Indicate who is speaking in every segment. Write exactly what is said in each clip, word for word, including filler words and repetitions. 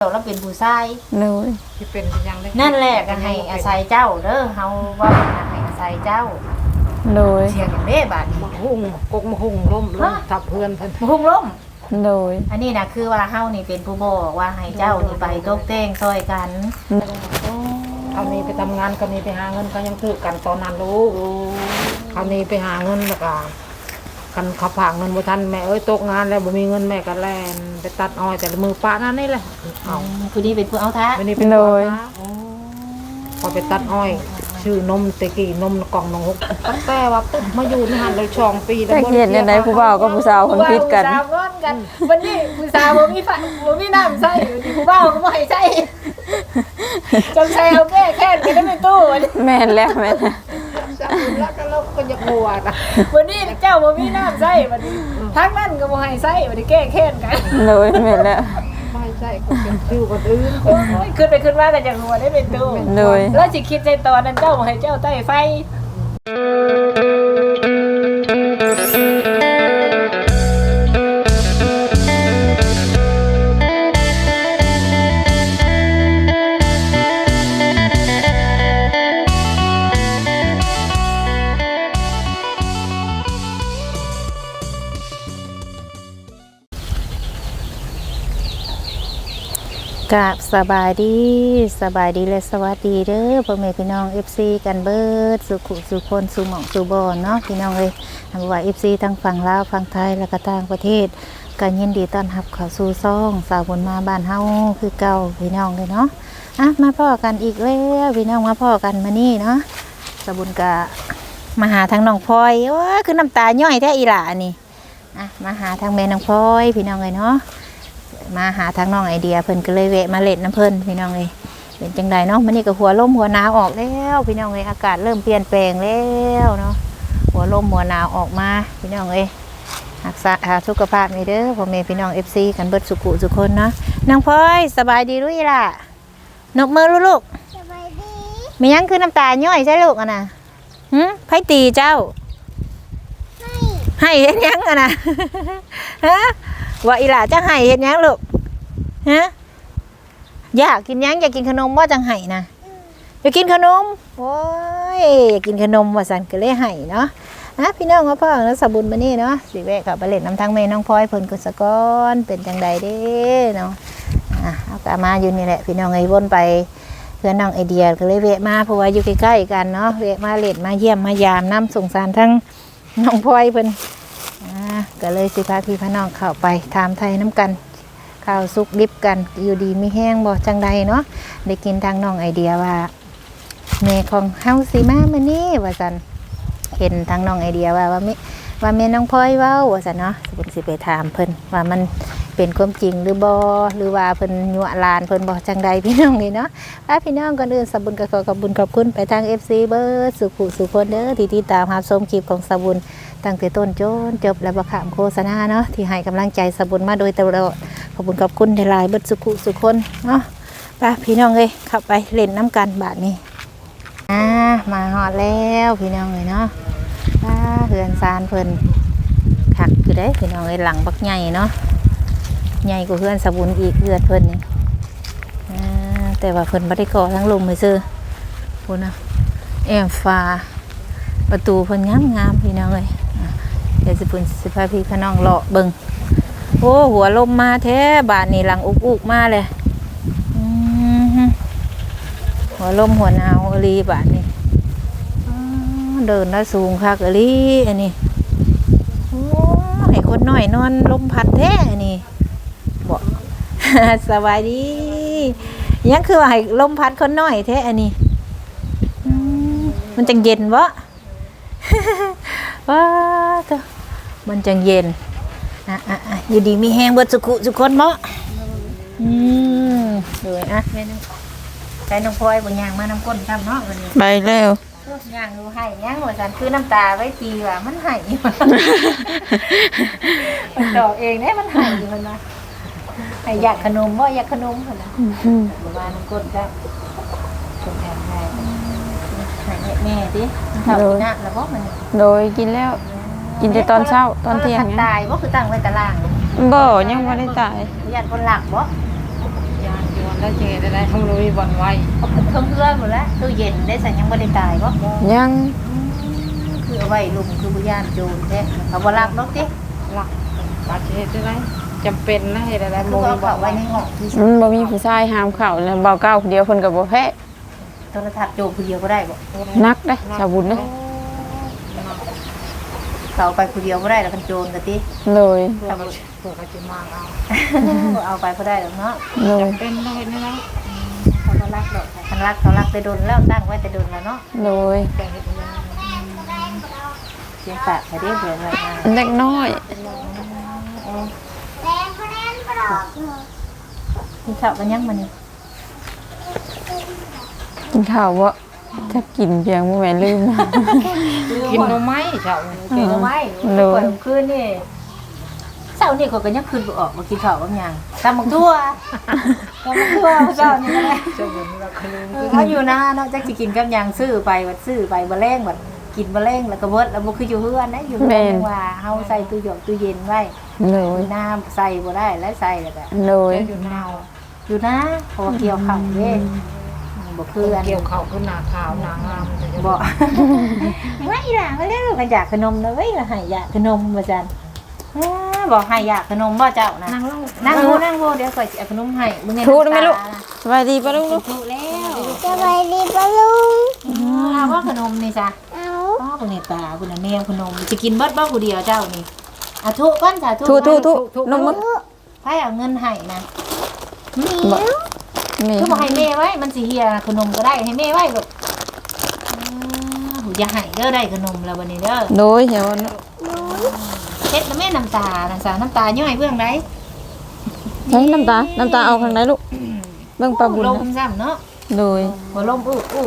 Speaker 1: เราเป็นผู้ชาย
Speaker 2: เลย
Speaker 3: ที่เป็นยังได้
Speaker 1: นั่นแหละก็ให้อาศัยเจ้าเด้อเฮาว่าให้อาศัยเจ้า
Speaker 2: เลย
Speaker 1: เสียงอย่างนี้บาดนี้
Speaker 3: มาหุ่งกกมาหุ่งล่มล่มทับเพื่อนเพิ่น
Speaker 1: พุ่งล้ม
Speaker 2: เลย
Speaker 1: อันนี้นะคือว่าเฮานี่เป็นผู้บอกว่าให้เจ้านี่ไปตกแต่งซอยกัน
Speaker 3: เขานี้ไปทำงานเขานี้ไปหาเงินก็ยังถือกันตอนนั้นรู้เขานี้ไปหาเงินแล้วก็กันขับผ่างเงินบ่ทันแม่เอ้ยตกงานแล้วบ่มีเงินแม่ก็แล่นไปตัดอ้อยแต่ละมือป้านั่นนี่แหละเอา
Speaker 1: ผู้นี้เป็นผู้เอาท้า
Speaker 3: วันนี้เป็นคนพอไปตัดอ้อยชื่อนมตะกี้นมกล่องนงหกตั้งแต่ว่าปุ๊บมาอยู่ในหันเลยช่องปีแล้ว
Speaker 2: แต่เห็นยังไงผู้บ่าวกับผู้สาวคนพิษกัน
Speaker 1: ผู้สาวงอนกันวันนี้ผู้สาวบ่มีฝันบ่มีน้ำใส่ผู้บ่าวก็บ่ให้ใส่จำใส่เอาแก้แค้นกันได้เป็นตู้
Speaker 2: แม่นแล้วแม่น
Speaker 3: จับแล้วก็เราก็จะกลัวนะ
Speaker 1: วันนี้เจ้าบ่มีน้ำใส่วันนี้ทั้งนั้นก็บ่ให้ใส่วันนี้แก้แค้นกัน
Speaker 2: เลยแม่นแล้ว
Speaker 3: ไม่ใช่ก็เป็นชื่อคนอื่น
Speaker 1: โอ้ยขึ้นไปขึ้นมาแต่จังหัวได้เป็นตู้
Speaker 2: เลย
Speaker 1: แล้วสิคิดในตอนนั้นเจ้าบ่ให้เจ้าใต้ไฟกับสบายดีสบายดีและสวัสดีเด้อพ่อแม่พี่น้อง เอฟ ซี กันเบิดสุขุสุคนสุหม่องสุบอนเนาะพี่น้องเอ้ยทำว่า เอฟ ซี ทั้งฝั่งลาวฝั่งไทยและก็ต่างประเทศกันยินดีต้อนรับเข้าสู่ซ่องสาวบุญมาบ้านเฮาคือเก่าพี่น้องเลยเนาะอ่ะมาพ่อกันอีกแล้วพี่น้องมาพ่อกันมานี่เนาะสาวบุญกะมาหาทางน้องพลอยโอ้ยคือน้ำตาย่อยแท้อีหล่านี่อ่ะมาหาทางแม่น้องพลอยพี่น้องเลยเนาะมาหาทางน้องไอเดียเพิ่นก็เลยแวะมาเล่นน้ำเพิ่นพี่น้องเลยเป็นจังไดเนาะมันนี่ก็หัวลมหัวหนาวออกแล้วพี่น้องเลยอากาศเริ่มเปลี่ยนแปลงแล้วเนาะหัวลมหัวหนาวออกมาพี่น้องเลยรักษาสุขภาพนี่เด้อพ่อแม่พี่น้อง เอฟ ซี กันเบิดสุขุสุคนเนาะนางพลอยสบายดีรู้อีล่ะนกมือลูกสบายดีมียังคือน้ำตาย่อยใช่ลูกอ่ะนะหืมไผตีเจ้าให้ให้เฮ็ดยังอ่ะนะฮะว่าอีหล่าจะให้เฮ็ดยังลูกฮะอยากกินยังอยากกินขนมว่าจังให้นะอยากกินขนมโอ้ยอยากกินขนมว่าสันก็เลยให้เนาะอ่ะพี่น้องพ่อแล้วสบุญมานี่เนาะสิแวะกับไปเล่นน้ำทางแม่น้องพลอยเพิ่นกุศกรเป็นจังใดเด้เนาะอ่ะเอากลับมาอยู่นี่แหละพี่น้องไอ้วนไปเพื่อนน้องไอเดียก็เลยแวะมาเพราะว่าอยู่ใกล้ๆกันเนาะแวะมาเล่นมาเยี่ยมมายามน้ำสงสารทั้งน้องพลอยเพิ่นก็เลยสิพาพี่พน้องเข้าไปถามไทยน้ำกันข้าวซุกดิบกันอยู่ดีมีแห้งบ่จังใดเนาะได้กินทางน้องไอเดียว่าแม่ของเฮาสิมามื้อนี้ว่าซั่นเห็นทางน้องไอเดียว่าว่ามิว่าแม่น้องพลอยเว้าว่าซั่นเนาะสิเพิ่นสิไปถามเพิ่นว่ามันเป็นความจริงหรือบ่หรือว่าเพิ่นยั่วลานเพิ่นบ่จังใดพี่น้องนี่เนาะถ้าพี่น้องก่อนอื่นสบุญก็ขอขอบคุณขอบคุณไปทาง เอฟ ซี เบิดสุขุสุคนเด้อที่ติดตามรับชมคลิปของสบุญตั้งแต่ต้นจนจบและบ่ขามโฆษณาเนาะที่ให้กำลังใจสบุญมาโดยตลอดขอบคุณขอบคุณหลายๆเบิดสุขุสุคนเนาะไปพี่น้องเอ้ยเข้าไปเล่นน้ำกันบาดนี้อ่ามาฮอดแล้วพี่น้องเอ้ยเนาะอ่าเฮือนซานเพิ่นคักอยู่เด้พี่น้องเอ้ยหลังบักใหญ่เนาะใหญ่กว่าเฮือนสบุญอีกเฮือนเพิ่นนี่อ่าแต่ว่าเพิ่นบ่ได้ก่อทั้งลมเลยซื่อพุ่นน่ะแอมฟ้าประตูเพิ่นงามๆพี่น้องเอ้ยเดี๋ยวสิเพิ่นสิพาพี่พน้องเลาะเบิ่งโอ้หัวลมมาแท้บาดนี้หลังอุกๆมาเลยหัวลมหัวหนาวอลีบาดนี้เดินได้สูงคักอลีอันนี้โอ้ให้คนน้อยนอนลมพัดแท้อันนี้บ่ สบายดียังคือว่าให้ลมพัดคนน้อยแท้อันนี้มันจังเย็นวะ ว้าตัวมันจังเย็นอ่ะอ่ะอ่ะอยู่ดีมีแห้งเบิดสุขุสุคนเนาะอืมดูอ่ะแม่น้องใช้น้องพลอยบางอย่างมาน้ำก้นทำเนาะวันนี้
Speaker 2: ไปแล้ว
Speaker 1: ย่างดูให้ย่างหัวสันคือน้ำตาไว้ปีว่ามันให้มันดอกเองเนี่ยมันให้มันนะให้อยากขนมว่าอยากขนมคนนะหรือว่าน้ำก้นได้ชมแอบให้ให้แม่ดิข้าวกินน้ำแล้วบอกมัน
Speaker 2: โดยกินแล้วกินแต่ตอนเช้าตอนเที่ยง
Speaker 1: ตายว่าคือตั้งไว้ตาราง
Speaker 2: บ่ยังบ่ได้ตาย
Speaker 1: ญาติคนหลักบ่ญาติอยู่
Speaker 3: แล้วจะเฮ็ดได้ได้ทำเลยบ่อนไว้
Speaker 1: เอาขึ้นเครื่องเพื่อนหมดแล้วตู้เย็นได้ใส่ยังบ่ได้ตายบ่
Speaker 2: ยัง
Speaker 1: คือเอาไว้ลุมคือบ่ย่านโจรแท้เอาบ่รักดอกติ
Speaker 3: หลักบาดเฮ็ดได้ได้จำเป็นนะเฮ็ดได้ได้
Speaker 1: คือ
Speaker 3: บ่
Speaker 1: เอา
Speaker 3: มีบ่
Speaker 1: เข้า
Speaker 3: อน
Speaker 1: ไว้
Speaker 3: ไว้
Speaker 1: ในห้องที่
Speaker 2: มันบ่มีผู้ชายห้ามเข้าแล้วเบาเก้าคนเดียวเพิ่นก็บ่แพ้
Speaker 1: โทรทัศน์โจรผู้เดียวก็ได้บ่
Speaker 2: นักเด้ชาวบุญเด้
Speaker 1: เขาไปผู้เดียวบ่ได้แล้วกันโจรก็ติ
Speaker 2: เลย
Speaker 3: เพื่อเขาเพื่อเขาจะมาเอา
Speaker 1: เอาไปก็ได้หรอกเนาะ
Speaker 2: เลย
Speaker 3: จำเป็นได้เฮ็ดได้ได้
Speaker 1: เขาก็รักดอกคันรักเขารักแต่ดนแล้วตั้งไว้แต่ดนแล้วเนาะ
Speaker 2: เลย
Speaker 3: แต่เฮ็ดได้
Speaker 1: เสียงสะไปได้เบื่อเลยนะ
Speaker 2: เด็กน้อย
Speaker 1: กินข้าวกันยังมานี่
Speaker 2: กินข้าวบ่ถ้ากินเพียงบ่แม่นลืม
Speaker 3: กินหน่อไม้เจ้า
Speaker 1: กินเอาไว้
Speaker 2: โด
Speaker 1: ก่อนคืนนี่เช้านี่เขาก็ยังคืนบ่ออกมากินข้าวบางอย่างตำบักทั่วตำบักทั่วเช้านี่ก็ได้
Speaker 3: เจ้าบุญเราคืน
Speaker 1: เขาอยู่นะเนาะจักสิกินกับหยังซื้อไปวัดซื้อไปบ่แรงบัดกินบ่แรงแล้วก็เบิดแล้วบ่คืออยู่เฮือนนะอยู่เฮือนจังว่าเฮาใส่ตู้หยอกตู้เย็นไว้
Speaker 2: เลย
Speaker 1: มีน้ำใส่บ่ได้แล้วใส่แล้วก็
Speaker 2: เลย
Speaker 3: อยู่นาว
Speaker 1: อยู่นะเพอเกี่ยวข้าวเด้บ่คืออัน
Speaker 3: เกี่ยวเขาขึ้นหน้าขาวหน้างาม
Speaker 1: บ่ ไม่ล่ะมาเร็วกันอยากขนมนะเว้ยล่ะให้อยากขนมว่าซั่นอ้าบอกให้อยากขนมบ่เจ้านะ
Speaker 3: นั่งลง
Speaker 1: นั่งโง่นั่งโง่เดี๋ยวข่อยสิเอาขนมให้มึง
Speaker 2: ทูได้ไหมลูกสบายดีป่ะลูกลูก
Speaker 1: ถูกแล้ว
Speaker 4: สบายดีปะลุง
Speaker 1: เอาว่าขนมนี่จ้ะ
Speaker 4: เอา
Speaker 1: ป้าบ่เนี่ยตาคุณน่ะแนวขนมจะกินเบิดบ่ผู้เดียวเจ้านี่อ่ะทุก่อนจ้ะทุ
Speaker 2: ทูทูทูนมมึง
Speaker 1: ไผเอาเงินให้นะ
Speaker 2: บ่มี
Speaker 1: คือบ่ให้แม่ไว้มันสิเหียขนมก็ได้ให้แม่ไว้ลูกอือหูอย่าให้เด้อได้ขนมแล้วบัดนี้เด้อ
Speaker 2: โดยเดี๋ยวนะ
Speaker 1: เฮ็ดแล้วแม่น้ำตาน้ำตาน้ำตาย่อยเบื้องใด
Speaker 2: ใช้น้ำตา น้ำตาเอาข้างไหนลูกเบิ่งปลาบุญ
Speaker 1: ล
Speaker 2: นะ
Speaker 1: มซ้ำเนาะ
Speaker 2: โดย
Speaker 1: หัวลมอู้อู้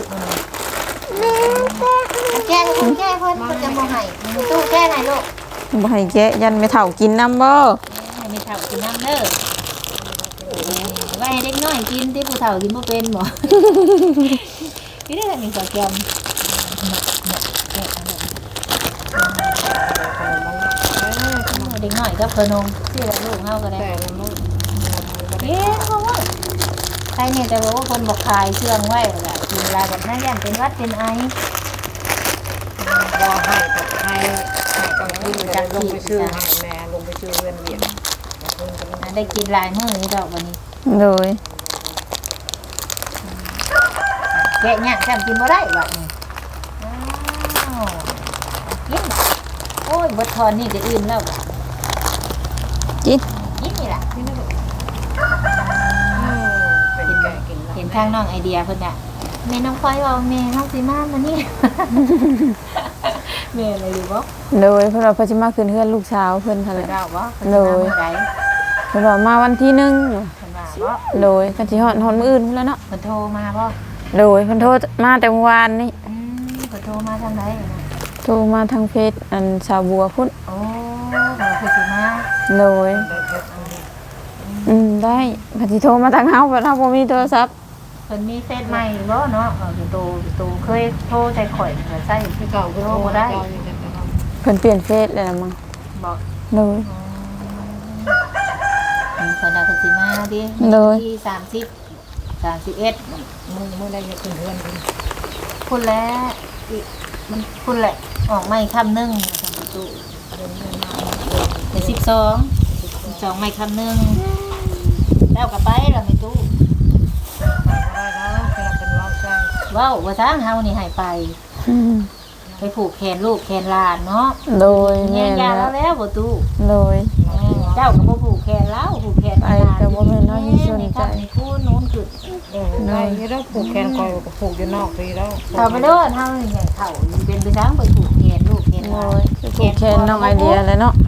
Speaker 1: แก้คนแก้คนก็จะบ่ให้มีตู้แก้ไหนลูก
Speaker 2: บ่ให้แกะยันไม่เฒ่ากินน้ำบ่
Speaker 1: ให้มีเฒ่ากินน้ำเด้อไว้ให้เด็กน้อยกินที่ผู้เฒ่ากินบ่เป็นบ่นี่ได้มีสาวแกมเด็กน้อยกับขนมที่ละลูกเฮาก็ได้
Speaker 3: แต่ละมื้อ
Speaker 1: เอ๊ะเขาว่าใครเนี่ยแต่ว่าคนบอกขายเชื่องไว้แหละกินลายแบบนั้นยันเป็นวัดเป็นไอ
Speaker 3: บ่ให้กับให้ให้กลางคืนจะลงไปซื้อให้แม่ลงไปซื้อเงินเวียน
Speaker 1: นะได้กินลายมือนี่ดอกวันนี้
Speaker 2: โดย
Speaker 1: แกะเนี่ยจำกินบ่ได้วะนี่อ้าวกินโอ้ยบดทอนนี่จะอื่นแล้ว
Speaker 2: กิน
Speaker 1: กินนี่แหละ
Speaker 3: เป็นแก่กิน
Speaker 1: เห็นทางน้องไอเดียเพิ่นน่ะแม่น้องพลอยว่าแม่น้องสีมามานี่ แม่อะไรอยู่บ่
Speaker 2: โดยเพิ่นว่าเพิ่นสิมาขึ้นเฮือนลูกสาวเพิ่นหั่น
Speaker 1: เพิ่น
Speaker 2: แหละ
Speaker 1: เล่าบ่เพิ่น
Speaker 2: เลย
Speaker 1: มาเมื่อใด
Speaker 2: เพิ่นว่ามาวันที่หนึ่ง
Speaker 1: เพิ่นว่าบ่
Speaker 2: โดยกันสิฮอดฮอดมื้ออื่นพุ่นแล้วเนาะ
Speaker 1: เพิ่นโทรมาบ่
Speaker 2: โดยเพิ่นโทรมาแต่เมื่อวานนี่
Speaker 1: อืมเพิ่นโทรมาทางไหนนะ
Speaker 2: โทรมาทางเฟซอันชาวบัวพุ่น
Speaker 1: โอ้เราคือสิมา
Speaker 2: โดยอืมได้เพิ่นสิโทรมาทางเฮาเพราะเฮาบ่มีโทรศัพท์
Speaker 1: เพิ่นมีเฟซใหม่บ่เนาะเอออยู่โตอยู่โตเคยโทรใส่ข่อยเพิ่นใส่
Speaker 3: ที่เก่าก็
Speaker 1: โทร
Speaker 3: โทร
Speaker 1: บ่
Speaker 3: ได้
Speaker 1: ได้
Speaker 2: เพิ่นเปลี่ยนเฟซแล้วล่ะมั้ง
Speaker 1: บอก
Speaker 2: โดย
Speaker 1: อืมเพิ่นน่ะเพิ่นสิมาดิ
Speaker 2: เลย
Speaker 1: ที่สามสิบ สามสิบเอ็ด
Speaker 3: มึงมึงได้ยังขึ้นเฮือนคุณ
Speaker 1: พุ่นแล้วอีมันพุ่นแหละออกไม่คำหนึงทางประตู
Speaker 3: เดินเดินมา
Speaker 1: เดี๋ยวสิบสองสิบสองไม่คำหนึงแล้วก็ไปแล้วไม่ตู้
Speaker 3: ได้แล้วกำลังเป็นร้องใจ
Speaker 1: เว้าว่าทางเฮานี่ให้ไป
Speaker 2: อืม
Speaker 1: ไปผูกแขนลูกแขนหลานเนาะ
Speaker 2: โดย
Speaker 1: แม่
Speaker 2: แม่น
Speaker 1: ยา
Speaker 2: แล้
Speaker 1: แล้ว วแล้วบ่ตู้
Speaker 2: โดย
Speaker 1: เจ้าก็บ่ผูกแขนแล้วผูกแขน
Speaker 2: ไปแต่ว่าแม่น้อยมีสนใจ
Speaker 1: ในคู่นู้นคือ
Speaker 3: เออได้ยี่แล้วผูกแขนคอยผูกอยู่นอกปีแล้ว
Speaker 1: เฒ่าไปเด้อเฒ่าอย่างเฒ่าเป็นไปทางไปผูกแขนลูกแขนห
Speaker 2: โด
Speaker 1: ลาย น
Speaker 2: ผูกแขนน้องไอเดียเลยเนาะ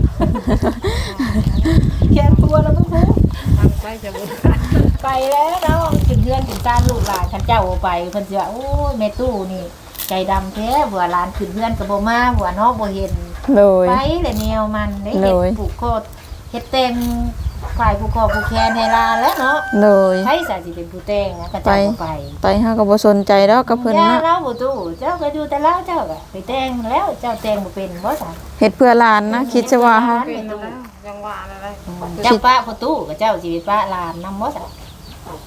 Speaker 1: แขนตัวแล้วบ่ผูก
Speaker 3: ทางไปจะบุญ
Speaker 1: ไปแล้วเนาะถึงเพื่อนถึงการลูกหลานคันเจ้าเอาไปเพิ่นสิว่าโอ้ยแม่ตู้นี่ใจดำแท้บัวหลานขึ้นเพื่อนก็บ่มาบัวเนาะบ่เห็น
Speaker 2: โดย
Speaker 1: ไปเลยแนวมันได้
Speaker 2: เล
Speaker 1: เฮ็ด
Speaker 2: ย
Speaker 1: ผูกคอเฮ็ดแต่งฝ่ายผูกคอผูกแขนให้หลานแล้วเนาะ
Speaker 2: โดย
Speaker 1: ใครสาสิเป็นผู้แต่งนะก็เจ้าก็ไป
Speaker 2: ไปเฮาก็บ่สนใจดอกกับเพิ่น
Speaker 1: ย่า
Speaker 2: เนาะ
Speaker 1: เล่าบ่ตู้เจ้าก็อยู่แต่เล่าเจ้าก็ไปแต่งแล้วเจ้าแต่งบ่เป็นบ่จ้ะ
Speaker 2: เฮ็ดเพื่อหลานนะคิดซะว่าเฮา
Speaker 3: เป็นแล้วยังว่าอะไร
Speaker 1: เจ้าป้าพ่อตู้กับเจ้าสิไปป้าหลานนำบ่จ้ะ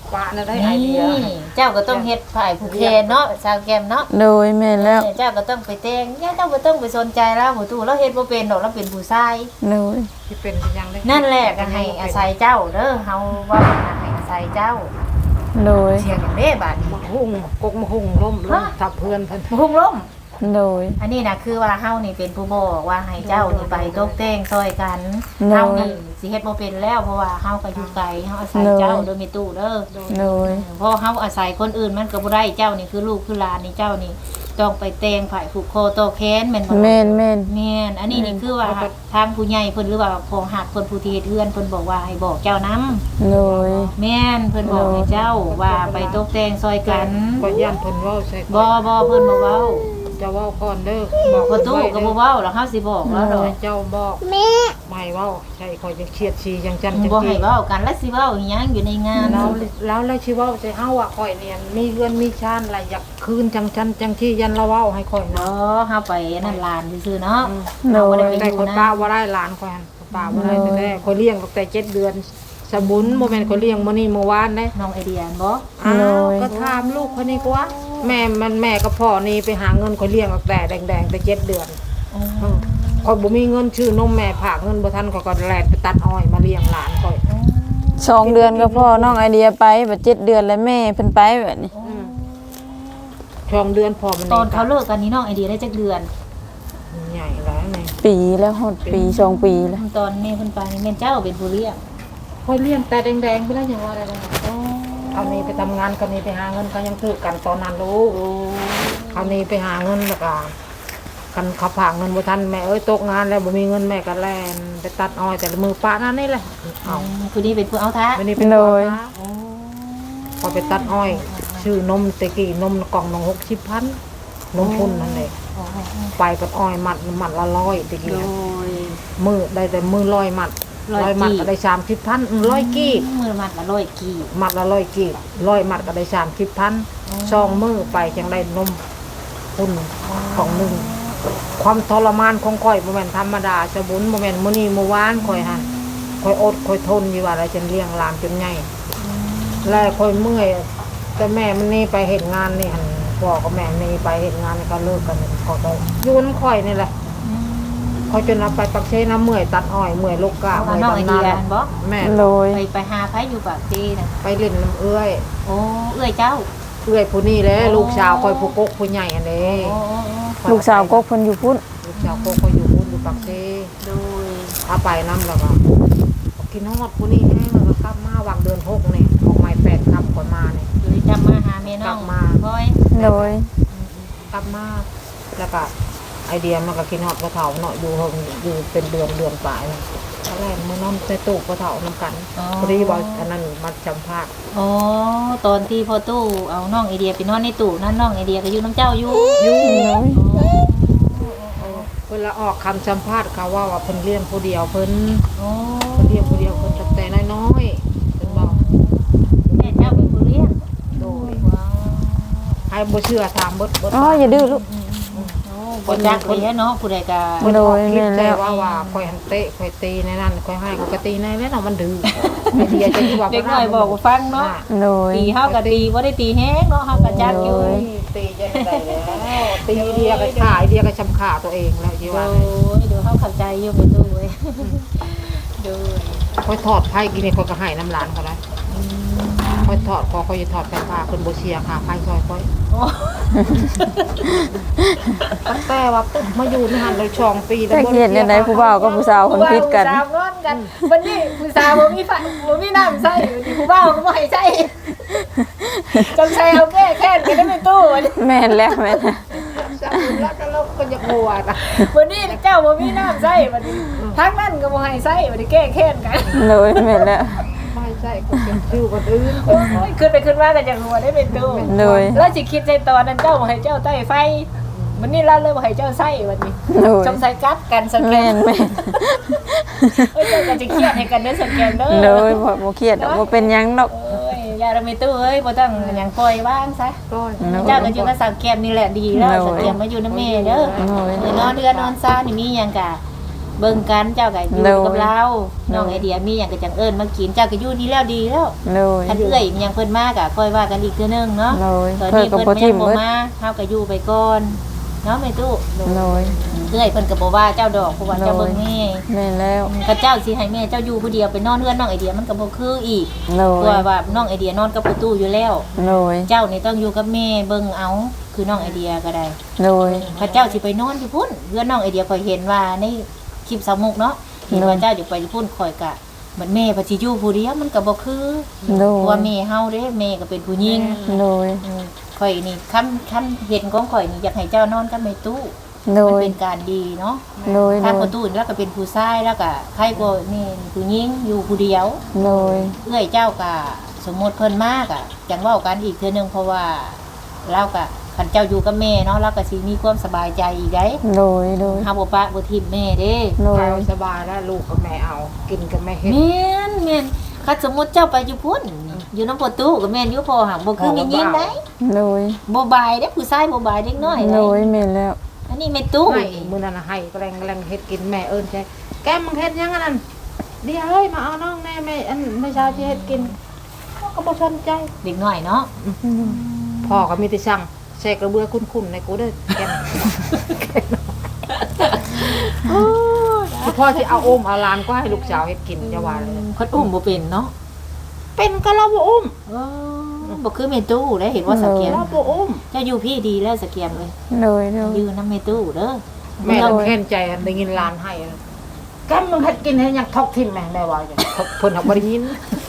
Speaker 3: ปะน่ะได้ไอเดีย
Speaker 1: นี่เจ้าก็ต้องเฮ็ดฝ่ายผู้แคนเนาะสาวแก้มเนาะ
Speaker 2: โดยแม่นแล้ว
Speaker 1: เจ้าก็ต้องไปแต่งย่าเจ้าบ่ต้องไปสนใจแล้วผู้ตู้เราเฮ็ดบ่เป็นดอกเราเป็นผู้ชาย
Speaker 2: โดย
Speaker 3: ที่เป็นยังได้
Speaker 1: นั่นแหละก็ให้อาศัยเจ้าเด้อเฮาว่าให้อาศัยเจ้า
Speaker 2: โดย
Speaker 1: เสียงอย่างเด้บาดนี้
Speaker 3: มาหุ่งกกมาหุ่งล้มล้มทับเพื่อนเพิ่น
Speaker 1: พุ่งล้ม
Speaker 2: โดย
Speaker 1: อันนี้นะคือว่าเฮานี่เป็นผู้บอกว่าให้เจ้านี่ไปตกแต่งซอยกัน
Speaker 2: โดย
Speaker 1: เฮานี่สิเฮ็ดบ่เป็นแล้วเพราะว่าเฮาก็อยู่ไกลเฮาอาศัย
Speaker 2: โดย
Speaker 1: เจ้าโดยมีตู้เด้อ
Speaker 2: โดย
Speaker 1: เพราะเฮาอาศัยคนอื่นมันก็บ่ได้เจ้านี่คือลูกคือหลานนี่เจ้านี่ต้องไปแต่งฝ่ายผูกคอต่อแขนแม่นบ่
Speaker 2: แม่นแม่น
Speaker 1: แม่นอันนี้นี่คือว่าทางผู้ใหญ่เพิ่นหรือว่าพอหักเพิ่นผู้ที่เฮ็ดเฮือนเพิ่นบอกว่าให้บอกเจ้านํ
Speaker 2: โดย
Speaker 1: แม่นเพิ่นบอกให้เจ้าว่าไปตกแต่งซอยกัน
Speaker 3: ก็ย่านเพิ่นเว้าใส่
Speaker 1: บ่บ่เพิ่นบ่เว้า
Speaker 3: จะเว้าก่อนเด้อ
Speaker 1: บอกประตูก็บ่เว้าแล้วเฮาสิบอกแล้วดอก
Speaker 3: เจ้าบอก
Speaker 4: แม่
Speaker 3: ไม่เว้าใช่คอยจะเฉียดชีจังจันจัง
Speaker 1: บ่ให้
Speaker 3: จี้
Speaker 1: เว้ากันแล้วสิเว้าอีหยังอยู่ในงาน
Speaker 3: แล้วแล้วแล้วชิเว้าใส่เฮาอ่ะข่อยเนี่ยมีเงินมีชานอะไรอยากคืนจังจันจังที่ยันละเว้าให้ข่อย
Speaker 1: เนา
Speaker 3: เนาะ
Speaker 1: ะเฮาไปนั่นลานซื่อๆเนาะ
Speaker 2: โด
Speaker 1: เฮาบ่
Speaker 2: ย
Speaker 1: ได้ไป
Speaker 3: แต่
Speaker 1: อ
Speaker 3: ค
Speaker 1: ยู่
Speaker 3: น
Speaker 1: นะ
Speaker 3: ป้าว่าได้หลานข่อยหั่นป้าว่าได้แต่แรกข่อยเลี้ยงตั้งแต่เจ็ดเดือนสบุนบ่แม่นข่อยเลี้ยงมื้อนี้เมื่อวานเด้
Speaker 1: น้องไอเดียบ่
Speaker 3: อ้า
Speaker 2: โด
Speaker 3: วย ก็ถามลูกคนนี้ก็ว่าแม่มันแม่กับพ่อนี่ไปหาเงินข่อยเลี้ยงตั้งแต่แดงๆแต่เจ็ดเดือนอืมข่อยบ่มีเงินชื่อนมแม่ฝากเงินบ่ทันข่อยก็แล่นไปตัดอ้อยมาเลี้ยงหลานข่อย
Speaker 2: สองเดือนก็พ่อน้องไอเดียไปบัดเจ็ดเดือนแล้วแม่เพิ่นไปแบบนี้
Speaker 3: อืมช่องเดือนพอมัน
Speaker 1: ตอนเขาเลิกกันนี่น้องไอเดียได้จักเดือน
Speaker 3: ใหญ่แล้วไง
Speaker 2: ปีแล้วฮอดปีสองปีแล้ว
Speaker 1: ตอนแม่เพิ่นไปแม่นเจ้าเป็นผู้เลี้ยง
Speaker 3: ค่อยเลี้ยงแต่แดงๆไปแล้วอย่างว่าอะไรเขานี้ไปทำงานเขานี้ไปหาเงินเขายังถือกันตอนนั้นลูกเขานี้ไปหาเงินแล้วก็กันเขาฝากเงินบ่ทันแม่เอ้ยตกงานแล้วบ่มีเงินแม่ก็แล่นไปตัดอ้อยแต่ละมือป้านั่นนี่แหละเอา
Speaker 1: ผู้นี้เป็นผู้เอาท้า
Speaker 3: วันนี้เป็นคนนะพอไปตัดอ้อยชื่อนมตะกี้นมกล่องหนึ่งหกสิบพันนมพุ่นนั่นเลยไปกับอ้อยมัดมัดละร้อยตะกี้
Speaker 1: โดย
Speaker 3: มือได้แต่มือร้อยมัด
Speaker 1: ร้อย
Speaker 3: ร้อยมัด
Speaker 1: กี่
Speaker 3: ก็ได้สามสิบพันร้อยกีบ
Speaker 1: มือมัดละร้อยกี่
Speaker 3: มัดละร้อยกีบร้อยมัดก็ได้สามสิบพันซองมือไปจังได้นมพุ่นของหนึ่งความทรมานของข่อยบ่แม่นธรรมดาสบุนบ่แม่นมื้อนี้มื้อวานข่อยหั่นข่อยอดข่อยทนอยู่ว่าอะไรจนเลี้ยงหลานจนใหญ่แล้วข่อยเมื่อยแต่แม่มันนี่ไปเฮ็ดงานนี่หั่นพ่อกับแม่นี่ไปเฮ็ดงานนี่ก็เลิกกันก็ได้อยู่นำข่อยนี่แหละข่อยจนเอาไปปักเชน้ำเมื่อยตัดอ้อยเมื่อยลูกกะ
Speaker 1: เอา
Speaker 3: เมื่อย
Speaker 1: น้องไอ
Speaker 3: ดำ
Speaker 1: เดี
Speaker 3: นาย
Speaker 1: บ่
Speaker 3: แม่
Speaker 2: โดย
Speaker 1: ไปไปหาไผอยู่ปากซีน่ะ
Speaker 3: ไปเล่นน้ำเอื้อย
Speaker 1: โอ้เอื้อยเจ้า
Speaker 3: เอื้อยผู้นี้แหละลูกสาวข่อยผู้กกผู้ใหญ่อันนี้
Speaker 1: โอ้
Speaker 2: ลูกสาวก็เพิ่นอยู่พุ่น
Speaker 3: ลูกสาวกกเขาอยู่พุ่นอยู่ปักเช
Speaker 1: โดย
Speaker 3: เอาไปน้ำแล้วก็กินฮอดผู้นี้แห้งแล้วก็กลับมาวางเดือนหกนี่ออกใหม่แปดคำก่อนมาเนี่ย
Speaker 1: โดยจำมาหาแม่น้อง
Speaker 3: กลับมา
Speaker 1: พ่อย
Speaker 2: โดย
Speaker 3: กลับมาแล้วก็ไอเดียมันก็กินฮอดกระเถาเนาะอยู่เฮงอยู่เป็นเดือนเดือนปลายเลยตอนแรกมือนอนในตู้กระเถาน้ำกันพอดีบอกอันนั้นมาจำภาค
Speaker 1: อ๋อตอนที่พ่อตู้เอาน้องไอเดียไปนอนในตู้นั่นน้องไอเดียก็อยู่น้ำเจ้าอยู่
Speaker 3: ยุ่ง
Speaker 2: โดย
Speaker 3: เวลาออกคำจำภาษเขาว่าว่าเพิ่นเลี้ยงผู้เดียวเพิ่น
Speaker 1: โอ้
Speaker 3: เพิ่นเลี้ยงผู้เดียวเพิ่นตั้งแต่น้อยๆเพิ่นบอก
Speaker 1: แม่เจ้าเป็นผู้เลี้ยง
Speaker 3: โดย
Speaker 1: ว้าว
Speaker 3: ให้บ่เชื่อถามเบิดเบิด
Speaker 2: อ๋ออย่าดื้อลูก
Speaker 1: โอ้บ่จักเลยเนาะผู้ใดก็
Speaker 3: เพิ่น
Speaker 2: โด
Speaker 3: ออก
Speaker 2: ย
Speaker 3: คลิป
Speaker 2: แม่นแล้
Speaker 3: แต่
Speaker 2: ว
Speaker 3: ว่าว่าคอยหันเตะคอยตีในนั้นคอยให้คอยกตีในนั้นเนาะมันดื้อไอเดียจะที่ว่า
Speaker 1: เด็กน้อยบอกว่าฟังเนาะ
Speaker 2: โดย
Speaker 1: ตีเฮาก็ตีบ่ได้ตีแฮงเนาะเฮาก็จักอยู่
Speaker 2: โอ้ย
Speaker 3: ตีจะได้แล้วตีเดียก็ขายเดียก็ชำขาตัวเองแล้วยี่
Speaker 1: โอ้
Speaker 3: ว่า
Speaker 1: ยเดี๋ยวเฮาเข้าใจอยู่ไปตู้เว้ยดู
Speaker 3: คอยถอดไพ่กินนี่คอยก็ให้น้ำหลานเขาได้คอยถอดคอคอยจะถอดไฟฟ้าคนโบเชียค่ะไพ่ซอยคอย
Speaker 1: โอ้
Speaker 3: ตั้งแต่ว่าปุ๊บมาอยู่ในหันเลยช่องปี
Speaker 2: จักเฮ็ดจังไดผู้บ่าวกับผู้สาวเพิ่นผิดกัน
Speaker 1: ผู้สาวนอนกันวันนี้ผู้สาวบ่มีไฟบ่มีน้ำใส่วันนี้ผู้บ่าวก็บ่ให้ใส่จำใส่เอาแก้แค้นกันได้ในตู้วันนี้
Speaker 2: แม่นแล้วแม่นแล้ว
Speaker 3: จับแล้วก็เราก็จะกลัวนะ
Speaker 1: วันนี้เจ้าบ่มีน้ำใส่วันนี้ทั้งนั้นก็บ่ให้ใส่วันนี้แก้แค้นกัน
Speaker 2: โดยแม่นแล้ว
Speaker 3: ไม่ใช่ก็เป็นชื่อคนอื่น
Speaker 1: โอ้ยขึ้นไปขึ้นมาก็จะหัวได้เป็นตู้
Speaker 2: โดย
Speaker 1: แล้วสิคิดในตอนนั้นเจ้าบ่ให้เจ้าใต้ไฟวันนี้เราเลยบ่ให้เจ้าใส่วันนี้
Speaker 2: โดย
Speaker 1: จงใส่กัดกันสแก
Speaker 2: แม่
Speaker 1: น
Speaker 2: นแม่น
Speaker 1: เอ้ยเจ้าก็จะเครียดให้กันเด้อสแกนเด้อ
Speaker 2: โดยบ่บ่เครียดดอกบ่เป็นหยังดอก
Speaker 1: เอ้ยอย่าเราไม่ตู้เอ้ยบ่ต้องหยังปล่อยว่างซะ
Speaker 3: ก็
Speaker 1: เจ้าก็อยู่กับสาวแกมนี่แหละดีแล้วสาวแกมมาอยู่นำแม่เด้อ
Speaker 2: โอ้ย
Speaker 1: เออนอนเดือนนอนซ่านี่มีหยังกะเบิ่งกันเจ้าก็อยู่
Speaker 2: โดย
Speaker 1: กับเราน้อง
Speaker 2: โดย
Speaker 1: ไอเดียมีหยังก็จังเอิ้นมากินเจ้าก็อยู่นี่แล้วดีแล้ว
Speaker 2: โดย
Speaker 1: คันเอื้อยมีหยังเพิ่นมาก็ค่อยว่ากันอีกเทื่อนึงเนาะ
Speaker 2: โดย
Speaker 1: ตอน
Speaker 2: เพิ่น
Speaker 1: นี้
Speaker 2: ก็
Speaker 1: เพิ่น
Speaker 2: บ่
Speaker 1: ยั
Speaker 2: ทิ่
Speaker 1: ง
Speaker 2: ม
Speaker 1: บ่
Speaker 2: เบิด
Speaker 1: มาเฮาก็อยู่ไปก่อนเนาะแม่ตู้
Speaker 2: โดย
Speaker 1: เอื้อยเพิ่นก็บ่ว่าเจ้าดอกเพราะว่าเจ้าเบิ่งแม่
Speaker 2: แม่นแล้ว
Speaker 1: ก็เจ้าสิให้แม่เจ้าอยู่ผู้เดียวไปนอนเฮือนน้องไอเดียมันก็บ่คืออีก
Speaker 2: โด
Speaker 1: เพ
Speaker 2: ย
Speaker 1: ราะว่าน้องไอเดียนอนกับประตูอยู่แล้ว
Speaker 2: โดย
Speaker 1: เจ้านี่ต้องอยู่กับแม่เบิ่งเอาคือน้องไอเดียก็ได้
Speaker 2: โดย
Speaker 1: พระเจ้าสิไปนอนอยู่พุ่นเพื่อนน้องไอเดียข่อยเห็นว่าในคลิปสาวมุกเนาะเห็นว่าเจ้าอยู่ไปอยู่พุ่นข่อยกะเหมือนแม่พระสิอยู่ผู้เดียวมันก็บ่คือ
Speaker 2: โด
Speaker 1: เพราะ
Speaker 2: ย
Speaker 1: ว่าแม่เฮาเด้แม่ก็เป็นผู้หญิง
Speaker 2: โดย
Speaker 1: อืมข่อยนี่คันคันเห็นของข่อยนี่อยากให้เจ้านอนกับแม่ตู้
Speaker 2: โด
Speaker 1: มัน
Speaker 2: ย
Speaker 1: เป็นการดีเนาะ
Speaker 2: โดย
Speaker 1: ถ้า
Speaker 2: โด
Speaker 1: ป
Speaker 2: ย
Speaker 1: ระตูนี่แล้วก็เป็นผู้ชายแล้วก็ใครบ่นี่ผู้หญิงอยู่ผู้เดียว
Speaker 2: โดย
Speaker 1: เอื้อยเจ้าก็สมมุติเพิ่นมากอ่ะจังเว้ากันอีกเทื่อนึงเพราะว่าเราก็คันเจ้าอยู่กับแม่เนาะเราก็สิมีความสบายใจอีกได้
Speaker 2: โดยโดย
Speaker 1: เฮาบ่ปะบ่ทิ่มแม่เด้
Speaker 2: โดย
Speaker 3: เราสบายแล้วลูกกับแม่เอา กินกับแม่เฮ็ด
Speaker 1: แม่นแม่นคันสมมุติเจ้าไปอยู่พุ่นอยู่นำประตูก็แม่นอยู่พอหักบ่คือแม่ยิงได้
Speaker 2: โดย
Speaker 1: บ่บายเด้ผู้ชายบ่บายเด็กน้อย
Speaker 2: โด
Speaker 1: ได้
Speaker 2: ยแม่นแล้ว
Speaker 1: อันนี้แม่ตู้
Speaker 3: ให้มื้อนั้นน่ะให้แกล้งแกล้งเฮ็ดกินแม่เอิ้นใช่แก้มมึงเฮ็ดยังอันนั้นเดี๋ยวเฮ้ยมาเอาน้องแน่แม่อันไม่ใช่ที่เฮ็ดกินเขาก็บ่สนใจ
Speaker 1: เด็กน้อยเนาะ
Speaker 3: พ่อก็มีแต่สั่งใส่กระเบือคุ้นๆในกูเด้อแกมพ่อสิเอาอมเอาหลานก็ให้ลูกสาวเฮ็ดกินจะว่าเลย
Speaker 1: เพิ่นอุ้มบ่เป็นเนาะ
Speaker 3: เป็นก็เราบ่อุ้ม
Speaker 1: เออบ่คือแม่ตู้ได้เห็นว่าสะเกียม
Speaker 3: เราบ่อุ้ม
Speaker 1: เจ้าอยู่พี่ดีแล้วสะเกียมเลย
Speaker 2: โดยโดย
Speaker 1: อยู่นำแม่ตู้เด้อ
Speaker 3: แม่ต้องแค้นใจอันได้ยินหลานให้อะแกมมึงเฮ็ดกินให้ยังทอกทิ่มแม่แม่ว่าอย่างเพิ่นหักบ่ได้ยิน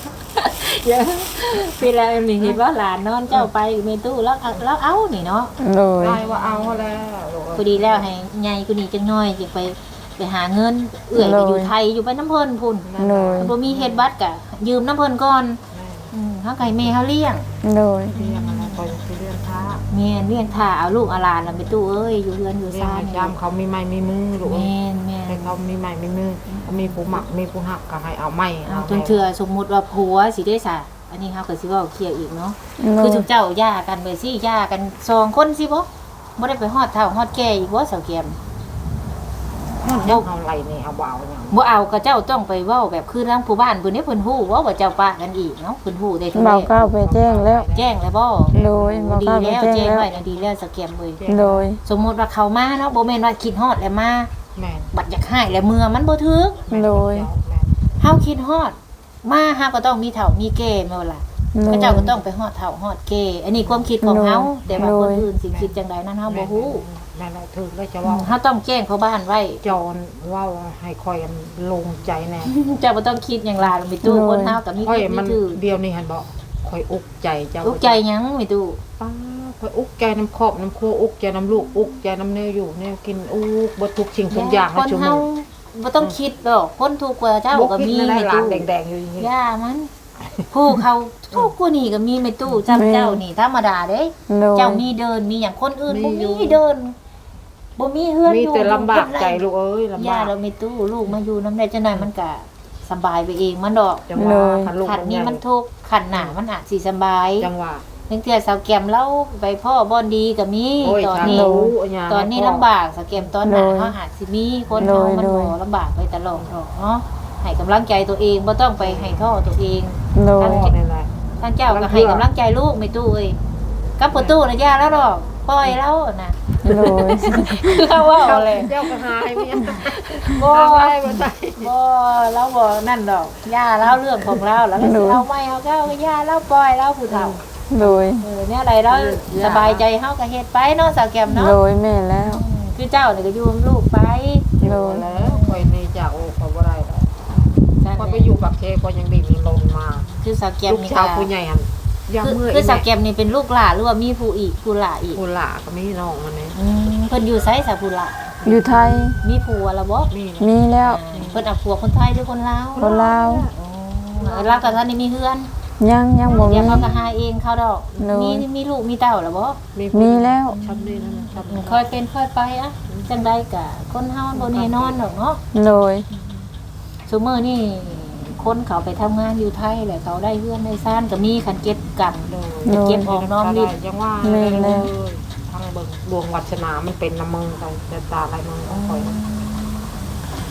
Speaker 1: เวลานี่เห็นว่าหลานนอนเจ้าไปแม่ตู้แล้วเอาแล้วเอานี่เนาะ
Speaker 2: โดย
Speaker 3: ได้ว่าเอาแล้วลูก
Speaker 1: พอดีแล้วให้ใหญ่กูนี่จังน้อยจะไปไปหาเงิน เอื้อยก็อยู่ไทยอยู่ไปน้ำเพิ่นพุ่น
Speaker 2: โดย
Speaker 1: บ่มีเฮ็ดบัตรก็ยืมน้ำเพิ่นก่อนอืมเฮาก็ให้แม่เฮาเลี้ยง
Speaker 2: โดย
Speaker 3: เรียนอะไรก็ยังสิเรียนท้า
Speaker 1: แม่นเลี้ยงท่าเอาลูกเอาหลานแล้วไปตู้เอ้ยอยู่เรือนอยู่
Speaker 3: เรียน
Speaker 1: ซ่าน
Speaker 3: ให้จำเขามีไม้มีมือลูก
Speaker 1: แม่นแม่
Speaker 3: ให้
Speaker 1: น
Speaker 3: เขามีไม้มีมือเขามีผู้หมักมีผู้หักก็ให้เอาไม้
Speaker 1: เอา
Speaker 3: เอา
Speaker 1: จนเทื่อสมมุติว่าผัวสิได้ซะอันนี้เฮาก็สิเว้าเคลียร์อีกเนาะ
Speaker 2: โด
Speaker 1: คือย จุเจ้าย่ากันไปสิย่ากันสองคนสิบ่บ่ได้ไปฮอดเฒ่าฮอดแก่อีกบ่เสาเกียม
Speaker 3: มันยังเอาไรนี่เอาบ่เอาหยัง
Speaker 1: บ่เอาก็เจ้าต้องไปเว้าแบบคือทางผู้บ้านเพิ่นนี่เพิ่นฮู้ว่าว่าเจ้าปะกันอีกเนาะเพิ่นฮู้ได้ทุก
Speaker 2: เบาเก้าไปแจ้งแล้ว
Speaker 1: แจ้งแล้วบ่
Speaker 2: โดยเบา
Speaker 1: ดี
Speaker 2: เก้าไป
Speaker 1: แล้ว
Speaker 2: แจ้ง
Speaker 1: แจ้ง
Speaker 2: แล้ว
Speaker 1: ไว้นะดีแล้วสแกมเว้ย
Speaker 2: โดย
Speaker 1: สมมุติว่าเขามาเนาะบ่แม่นว่าคิดฮอดแล้วมา
Speaker 3: แม่น
Speaker 1: บัดอยากหายแล้วเมื่อมันบ่ถึก
Speaker 2: โดย
Speaker 3: แม่น
Speaker 1: เฮาคิดฮอดมาเฮาก็ต้องมีเฒ่ามีแก่แม่นบ่ล่ะ
Speaker 2: โด
Speaker 1: ก็
Speaker 2: ย
Speaker 1: เจ้าก็ต้องไปฮอดเฒ่าฮอดแก่อันนี้ความคิดของ
Speaker 2: โดย
Speaker 1: เฮาแต่ว่าคน
Speaker 2: โดย
Speaker 1: อื่นสิคิดจังใดนั้นเฮาบ่ฮู้
Speaker 3: แม่นแล้วถึงแล้วจะ
Speaker 1: อื
Speaker 3: ว่าม
Speaker 1: เฮาต้องแจ้งเขาบ้านไว้
Speaker 3: จอนเว่าให้คอยอันลงใจแน่
Speaker 1: เจ้าบ่ต้องคิดอย่างหลายมีตู้คนเฮาก็มี
Speaker 3: คอย
Speaker 1: คิดมี
Speaker 3: มัน
Speaker 1: ถือ
Speaker 3: เดียวนี่หันบอกคอยอุกใจเจ้า
Speaker 1: ลูกใจหยังมีตู้
Speaker 3: ป้าคอยอุกใจน้ำครอบน้ำครัวอุกใจน้ำลูกอุกใจน้ำเนื้ออยู่เนี่ยกินอุกบดทุกสิ่งทุกอย่าง
Speaker 1: ค
Speaker 3: ให้
Speaker 1: น
Speaker 3: ชั่วโม
Speaker 1: เฮาง บ่ต้องคิดดอกคนทุกข์กว่าเจ้า
Speaker 3: บ่
Speaker 1: ก็
Speaker 3: คิด
Speaker 1: มี
Speaker 3: นั่นได้
Speaker 1: ใน
Speaker 3: หลาน
Speaker 1: ตู้
Speaker 3: แดงๆอยู่อย่างนี้
Speaker 1: ย่ามัน ผู้เขาทุกข์กว่านี่ก็มีในตู้จำเจ้านี่ธรรมดาเด้
Speaker 2: โดย
Speaker 1: เจ้ามีเดินมีอย่างคนอื่นบ่มีเดินบ่มีเฮือน
Speaker 3: มี
Speaker 1: อยู่
Speaker 3: แต่ลำบากใจ
Speaker 1: ลู
Speaker 3: ลูกเอ้ยลำ
Speaker 1: ย่า
Speaker 3: บาก
Speaker 1: เรามีตู้ลูกมาอยู่นำได้จังได๋มันก็สบายไปเองมันดอก
Speaker 3: จังหวะขันลูก
Speaker 1: ขัด
Speaker 3: มัน
Speaker 1: นี้
Speaker 3: ใหญ่
Speaker 1: มันทุกข์ขัดหน้ามันอาจสิสบาย
Speaker 3: จังหวะ
Speaker 1: เพิ่นเทื่อสาวแก้มเราไปพ่อบ่อนดีก็มี
Speaker 3: โอ้ย
Speaker 1: ตอน
Speaker 3: ฉัน
Speaker 1: นี้
Speaker 3: รู้ย่า
Speaker 1: ตอนนี้
Speaker 3: ให้พ่
Speaker 1: ลำบากสาวแก้มตอนหน้า
Speaker 2: โดย
Speaker 1: เฮาอาจสิมีคน
Speaker 2: โด
Speaker 1: เฮาย มัน
Speaker 2: โดย
Speaker 1: บ่ลำบากไปตลอดหรอกเนาะให้กำลังใจตัวเองบ่ต้องไปให้ท้อตัวเอง
Speaker 2: โด
Speaker 3: พ่
Speaker 2: ย
Speaker 3: อนี่แหละ
Speaker 1: ท่านเจ้าก็ให้กำลังใจลูกไม่ตู้เอ้ยกับประตูน่ะย่าแล้วดอกปล่อยแล้วน่ะ
Speaker 2: โดย
Speaker 1: คือเขาว่าเอาเลย
Speaker 3: เจ้าก็หายเมีย
Speaker 1: บ่
Speaker 3: หายบ่ได้
Speaker 1: บ่เราบ่นั่นดอกย่าแล้วเรื่องของเราแล้วเราสิเอาไม่เอาก็เอาย่าแล้วปล่อยแล้วผู้เฒ่า
Speaker 2: โดย
Speaker 1: เออเนี่ยอะไรแล้วสบายใจเฮาก็เฮ็ดไปเนาะสาวแก้มเนาะ
Speaker 2: โดยแม่แล้ว
Speaker 1: อืมคือเจ้านี่ก็อยู่กับลูกไป
Speaker 2: โดย
Speaker 3: แล้วคอยนี่จากโอ้คอยบ่ได้แล้ว
Speaker 1: นั่น
Speaker 3: คอย
Speaker 1: แห
Speaker 3: ไป
Speaker 1: ละ
Speaker 3: อยู่ปักเทก็ยังดีมีลมมา
Speaker 1: คือสาวแก้ม
Speaker 3: ลูก
Speaker 1: นี่
Speaker 3: ชา
Speaker 1: ก็
Speaker 3: วผู้ใหญ่หันยัง
Speaker 1: คือ
Speaker 3: เมื่อย
Speaker 1: คือสาวแก้มนี่เป็นลูกหลานหรือว่ามีผู้อีกผู้หลาอีก
Speaker 3: ผู้หล่าก็มีน้องมันนี่
Speaker 1: อืมเพิ่นอยู่ไสสาวผู้หลา
Speaker 2: อยู่ไทย
Speaker 1: มีผัวแล้วบ่
Speaker 3: มี
Speaker 2: มีแล้ว
Speaker 1: เพิ่นเอาผัวคนไทยหรือคนลาว
Speaker 2: คนลาว
Speaker 1: อ๋อลาวกับท่านนี่มีเฮือน
Speaker 2: ยังยังบ่มี
Speaker 1: เดี๋ยวเขาก็หาเองเขาดอก
Speaker 2: โดย
Speaker 1: มีมีลูกมีเต้าแล้วบ่
Speaker 2: มีแล้ว
Speaker 3: ชำนี่นั่นชำนี่
Speaker 1: ค่อยเป็นค่อยไปอะจังได๋ก็คนเฮาบ่แน่นอนดอกเนาะ
Speaker 2: โดย
Speaker 1: ซุมื้อนี่คนเขาไปทำงานอยู่ไทยแหละเขาได้เฮือนได้ซ่านก็มีคันเก็บกัน
Speaker 3: โดย
Speaker 2: โดย
Speaker 1: เก็บออกน้อมริบ
Speaker 3: ยังว่า
Speaker 2: แม่แล้ว
Speaker 3: ทางเบิ่งดวงวัฒนามันเป็นน้ำมึงไปแต่ตาอะไรมึงของคอย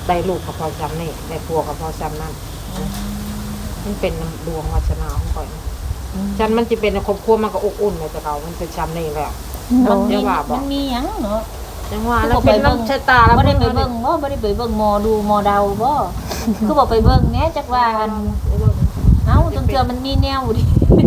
Speaker 3: ได้ลูกกับพ่อซ้ำนี่ได้ผัวกับพ่อซ้ำนั่นมันเป็นดวงวาสนาของข่อยฉันมันจะเป็นครอบครัวมันก็อบอุ่นเลยแต่เก่ามันเป็นซ้ำนี่แล้ว
Speaker 1: โดย
Speaker 3: เดี๋ยวว่าบอ
Speaker 5: มั
Speaker 3: ก
Speaker 5: นมีหยังเนาะ
Speaker 3: ยังว่าแล้วเป็นน้ำใช้ตาแล้ว
Speaker 5: บ่ได้ไปเบิ่งบ่บ่ได้ไปเบิ่งหมอดูหมอเดาบ่คือบ่ไปเบิ่งแหน่จักว่าอันเอ้าจังเทื่อมันมีแนวดิ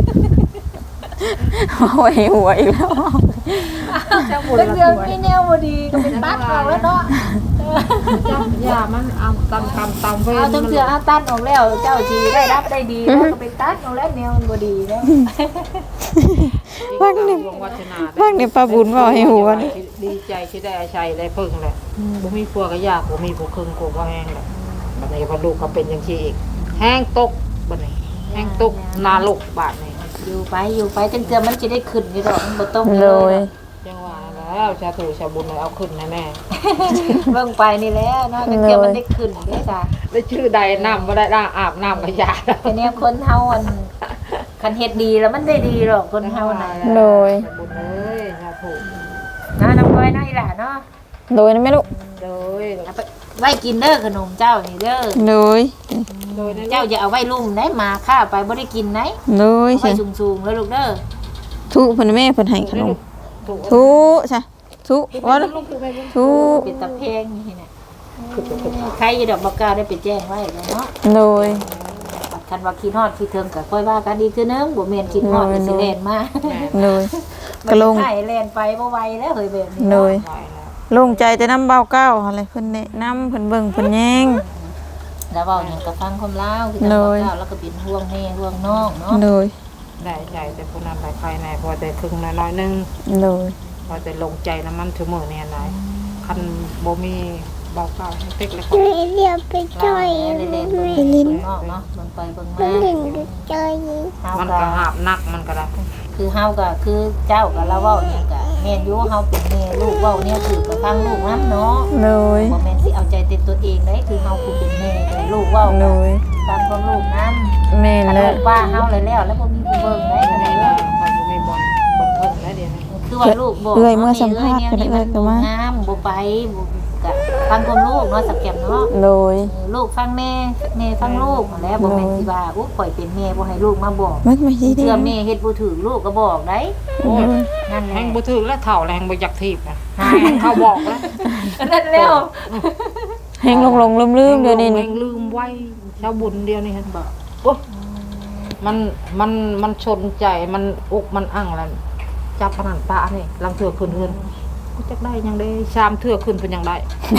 Speaker 2: เอาไว้หัวอีกแล้ว
Speaker 5: จังเทื่อมันมีแนวบ่ดีก็เป็นตัดเอาแล้วเนาะ
Speaker 3: ยามันเอาตำตำตำเว้
Speaker 5: เอาจังเทื่อเอาตัดออกแล้วเจ้าสิได้รับได้ดีแล้วก็เป็นตัดออกแล้วแนวมันบ่ดีแล้ว
Speaker 3: ฟังนี่วาสนา
Speaker 2: ฟังนี่ป้าบุญเว้าให้หัวนี่
Speaker 3: ดีใจที่ได้อาชัยได้พึ่งแหละบ่มีผัวก็ยากบ่มีผู้ครึ่งกูก็แห้งแหละบัดนี้พอลูกก็เป็นจังซี่อีกแห้งตกบัดนี้แห้งตกนาลกบาดนี้
Speaker 5: อยู่ไปอยู่ไปจังเทื่อมันสิได้ขึ้นอยู่ดอกมันบ่ต้อง
Speaker 2: โดย
Speaker 3: จังว่าแล้วชาถูชาบุญเอาขึ้นแน่
Speaker 5: เบิ่งไปนี่แหละเนาะจังเทื่อมันได้ขึ้นเด้จ้ะ
Speaker 3: ๆได้ชื่อใดน้ำบ่ได้ด่างอาบน้ำก็ยา
Speaker 5: แต่แนวคนเฮาอันคันเฮ็ดดีแล้วมันได้ดีหรอกคนเฮาน่ะ
Speaker 2: โดย
Speaker 3: ชาบุญเอ้ยชาถู
Speaker 5: นะน้ำก้อยเนาะอีหล่าเนาะ
Speaker 2: โดยนะแม่ลูก
Speaker 3: โดย
Speaker 5: เอาไปไว้กินเด้อขนมเจ้านี่เด้อ
Speaker 2: โดย
Speaker 3: โดยนะ
Speaker 5: เจ้าอย่าเอาไว้ลุ่มได้มาข้าไปบ่ได้กินไหน
Speaker 2: โดย
Speaker 5: เอาไว้
Speaker 2: ใช่
Speaker 5: สูงๆแล้วลูกเด้อ
Speaker 2: ทุเพิ่นแม่เพิ่นให้ขนม
Speaker 3: ถูก
Speaker 2: ทุใช่ทุว่าลูกทุ
Speaker 5: เป็นตะเพงนี่น่ะใครอยู่ดอกบักกาได้ไปแจ้งไว้แล้วเนาะ
Speaker 2: โดย
Speaker 5: คันว่าคิดฮอดคิดถึงก็ค่อยว่ากันดีคือนึงบ่แม่นคิดฮอดก็สิแล่นมา
Speaker 2: โดยกระลง
Speaker 5: ให้แล่นไปบ่ไหวแล้วเฮ้ยแบบนี้
Speaker 2: โดย
Speaker 3: ไปแล้ว
Speaker 2: โลงใจแต่น้ำเบาเก้าอะไรเพิ่นแนะนำเพิ่นเบิ่งเพิ่นแย่ง
Speaker 5: แล้วเว้าหยังก็ฟังความลาวคือ
Speaker 2: โด
Speaker 5: จัง
Speaker 2: ย
Speaker 5: บักกาแล้วก็เป็นห่วงแม่ห่วงน้องเนาะ
Speaker 2: โดย
Speaker 3: ได้ใจแต่ผู้นั้นไปภายในพอแต่ครึ่งน้อยๆนึง
Speaker 2: โดย
Speaker 3: พอแต่ลงใจน้ำมันถึงมือเนี่ยนายคันบ่มีเบาเก่าให้เต็กเลยก็
Speaker 4: เดี๋ยวไปจ่อย
Speaker 5: เล่นเล่น
Speaker 4: ไม่
Speaker 5: เบิ่งเบิ่งนอกเนาะเบิ่งไปเบิ่งมา
Speaker 4: เล่นดูจ่อย
Speaker 5: เฮา
Speaker 3: มัน
Speaker 5: ก็
Speaker 3: ก็หาบนักมันก็ได้
Speaker 5: คือเฮาก็คือเจ้าก็เราเว้าหยังก็แม่นอยู่เฮาเป็นแม่ลูกเว้าเนี่ยคือก็ฟังลูกนํเนาะ
Speaker 2: โดย
Speaker 5: บ่แม่นสิเอาใจแต่ตัวเองได้คือเฮาคือเป็นแม่แต่ลูกเว้า
Speaker 2: โดย
Speaker 5: ฟังของลูกนํ
Speaker 2: แม่
Speaker 5: ถ้า
Speaker 2: แล้
Speaker 5: ลู
Speaker 2: ว
Speaker 5: กว่าเฮาเลยแล้วแล้วบ่มีผู้เบิ่งได้ขนาด
Speaker 3: แล้
Speaker 5: นั้น
Speaker 3: วเขาบ่มีบอลบอลเพิ่งแล้วเดี๋ยวนี้
Speaker 5: คือว่าลูกบอก
Speaker 2: เอื้อยเมื่อสัมภาษณ์
Speaker 5: นี่
Speaker 2: เพิ่นเอื้อยก็มา
Speaker 5: งามบ่ไปบ่ก็ฟังของลูกเนาะสักแก้มเนาะ
Speaker 2: โดย
Speaker 5: เออลูกฟังแม่แม่ฟังลูกแล้วบ่แม่นสิว่าอุ๊ยข่อยเป็นแม่บ่ให้ลูกมาบอก
Speaker 2: มันไม่ใช่ดี
Speaker 5: เชื่อแม่เฮ็ดบ่ถูกลูกก็บอกได้
Speaker 3: โอ้ย
Speaker 5: นั่นแห
Speaker 3: แห
Speaker 5: ละ
Speaker 3: งบ่ถึงแล้วเฒ่าแล้วแหงบ่อยากทีบนะเขาบอกแล้ว
Speaker 5: นั่นแล้ว
Speaker 2: แห้งลงๆลืมๆเดี๋ยวนี้
Speaker 3: แห
Speaker 2: นี่
Speaker 3: งลืมไว้ชาวบุญเดียวนี่เห็นบ่โอ้มันมันมันชนใจมันอกมันอั่งแล้วจับปานนั้นปะนี่ลังเถื่อขึ้นเฮือนกูจักได้ยังได้ชามเถื่อขึ้นเพิ่นยังได้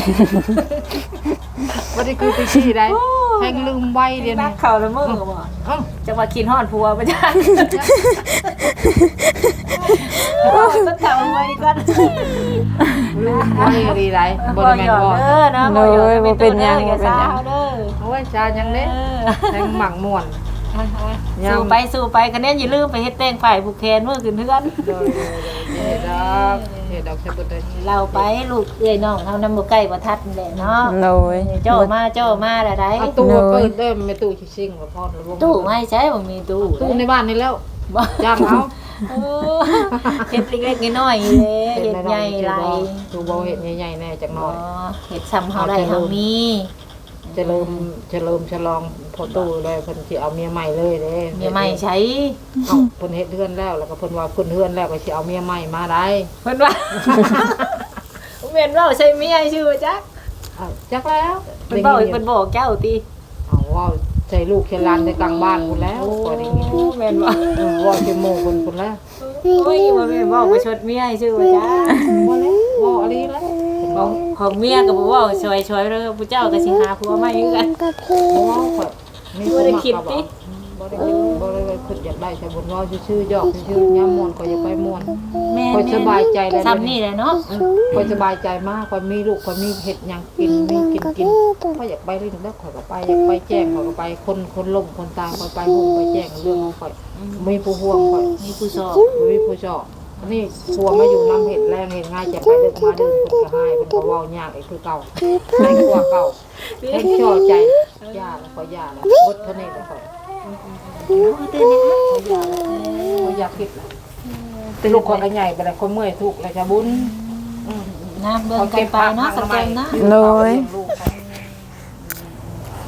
Speaker 3: บ่ได้คือไปขี้ได้แหงลืมไว้เดี๋ยว
Speaker 5: นั
Speaker 3: นี้
Speaker 5: กเข้าละมื้อบ่
Speaker 3: เอ้า
Speaker 5: จังว่ากินฮอดผัวบ่จ้าโอ้ยก็ถามไว้ก่อน
Speaker 3: ลืมไว้ดีไรบ่ได้แม่นบ่
Speaker 5: เด้อนะบ่อย่าเป็นหยังอย่าซ่าเด้อ
Speaker 3: โอ้ยชายังเด้แหงหมักม่วน
Speaker 5: สู้ไปสู้ไปคะแนนอย่าลืมไปเฮ็ดแต่งฝ่ายผูกแขนเมื่อคืนเทือน
Speaker 3: โดยเฮ็ดดอกเฮ็ดดอกใช้บ่ได้
Speaker 5: เราไปลูกเอ้ยน้องเฮานำบ่ใกล้บ่ทัดนี่แหละเนาะ
Speaker 2: โดย
Speaker 5: เจ้ามาเจ้ามาละได้
Speaker 3: เอาตู้เปิดเด้อไม่ตู้ชิงๆว่าพอแล้วบ่
Speaker 5: ตู้ไม่ใช่บ่มีตู้
Speaker 3: ตู้ในบ้านนี่แล้ว
Speaker 5: บ่
Speaker 3: จ้างเอา
Speaker 5: เออเฮ็ดเล็กๆน้อยๆเลยเฮ็ดใหญ่หลาย
Speaker 3: ตู้บ่เฮ็ดใหญ่ๆแน่จักหน่
Speaker 5: บ่
Speaker 3: อย
Speaker 5: เฮ็ดซ้ำเฮาได้เฮามี
Speaker 3: จะเริ่มจะเริ่มฉลองพอตู้เลยเพิ่นสิเอาเมียใหม่เลยเด้
Speaker 5: เมียใหม่ใช้
Speaker 3: เอ้าเพิ่นเฮ็ดเฮือนแล้วแล้วก็เพิ่นว่าเพิ่นเฮือนแล้วก็สิเอาเมียใหม่มาได้
Speaker 5: เพิ่นว่าแม่นเว้าใช่เมียชื่อว่าจัก
Speaker 3: เอ้าจักแล้ว
Speaker 5: เพิ่นบอกเพิ่นบอกเจ้าติ
Speaker 3: เอาว่าใส่ลูกแค่หลานในกลางบ้านพุ่นแล้วก็ได้ยิน
Speaker 5: แม่นบ่
Speaker 3: เออว่าสิโมเพิ่นพุ่นแล้ว
Speaker 5: โอ้ยบ่แม่นบอกว่าชดเมียชื่อว่าจัก
Speaker 3: บ่แล้วบ่อะไรแล้ว
Speaker 5: ของของเมียก็บ่เว้าช่วยๆเด้อผู้เจ้าก็สิหาผัวใหม่คือกัน
Speaker 4: กับพี่
Speaker 3: บ่ว่าข่อยมี
Speaker 5: บ่ได้คิดติ
Speaker 3: บ่ได้คิดบ่ได้ว่าคิดอยากได้ใช่บุญว่าชื่อๆยอกชื่อยามม่วนก็อยากไปม่วน
Speaker 5: แม่
Speaker 3: ข่อยสบายใจแล้ว
Speaker 5: ซ้ำนี่แหละเนาะ
Speaker 3: ข่อยสบายใจมากข่อยมีลูกข่อยมีเฮ็ดหยังกินมีกินกินข่อยอยากไปเล่นแล้วข่อยก็ไปอยากไปแจ้งข่อยก็ไปคนคนล้มคนตายข่อยไปโฮมไปแจ้งเรื่องของข่อยมีผู้ห่วงข่อย
Speaker 5: มีผู้สอบ
Speaker 3: บ่มีผู้ชอบอันนี้ผัวมาอยู่น้ำเห็ดแรงเห็ดง่ายจะไปเลิกมาเดินเพิ่นก็ให้เพิ่นก็เว้ายากอีกคือเก่าให้กว่าเก่าให้ช่อใจย่าแล้วก็ย่าแล้วบดเท่านี้แล้วก็
Speaker 5: ตื่นเนี่ย
Speaker 3: บ่อยากคิดแล้วแต่ลูกคนก็ใหญ่ไปแล้วคนเมื่อยทุกข์แล้วจะบุญอืม
Speaker 5: น้ำเบิ่งกันไปเนาะสักแก้มนะ
Speaker 2: โดย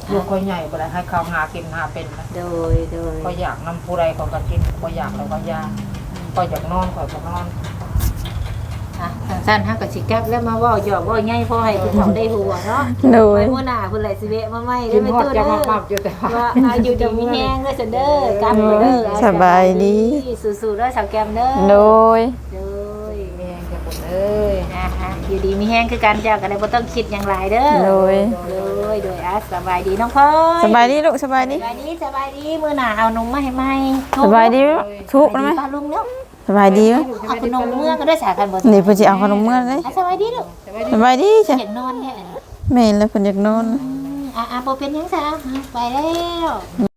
Speaker 3: ลูกค่อยใหญ่บ่ได้ให้เขาหากินหาเป็นนะ
Speaker 5: โดยโดย
Speaker 3: ก็อยากนำผู้ใดเขาก็กินก็อยากแล้วก็ยาก็อยากนอนก็ก็นอน
Speaker 5: อ่ะสั้นๆฮะก็สิกลับแล้วมาเว้าหยอกเว้าใหญ่พอให้ผู้เขาได้หัวเนาะ
Speaker 2: โด
Speaker 5: ไว้
Speaker 2: ย
Speaker 5: มื้อหน้าเพิ่นไหลสิเวะมาใหม่
Speaker 3: กิ
Speaker 5: เด้อน ไม่
Speaker 3: ฮอด
Speaker 5: ตู้
Speaker 3: จะ
Speaker 5: เด้
Speaker 3: มา
Speaker 5: อ
Speaker 3: ปรับอยู่แต่ว่า
Speaker 5: ว่าอายุดีมีแฮงเด้อซันเด้อกลับเด้อ
Speaker 2: สบายดี
Speaker 5: สู้ๆเด้อสาวแก้มเด้อ
Speaker 2: โดย
Speaker 5: โดย
Speaker 3: แม่จะบ่เอ้ย
Speaker 5: นะคะอยู่ดีมีแฮงคือกันเจ้าก็ได้บ่ต้องคิดหยังหลายเด้อ
Speaker 2: โดย
Speaker 5: โดยโดยอ่ะสบายดีน้องพลอย
Speaker 2: สบายดีลูกสบายดี
Speaker 5: สบายดีสบายดีมื้อหน้าเอานมมาให้ใหม่
Speaker 2: สบายดีทุกข์
Speaker 5: สบาย
Speaker 2: ไหม
Speaker 5: ดีป้าลุงเนาะ
Speaker 2: สบายดีไหม
Speaker 5: เอาขนมเมื่อก็ได้สากันบ่
Speaker 2: นี่เพิ่นสิเอาขนมเมื่อเลย
Speaker 5: อ่ะสบายดีลูก
Speaker 2: สบายดีจ้ะ
Speaker 5: อยากนอนแท้
Speaker 2: แม่นแล้วเพิ่นอยากนอน
Speaker 5: อ่ะอ่ะบ่เป็นหยังซะไปแล้ว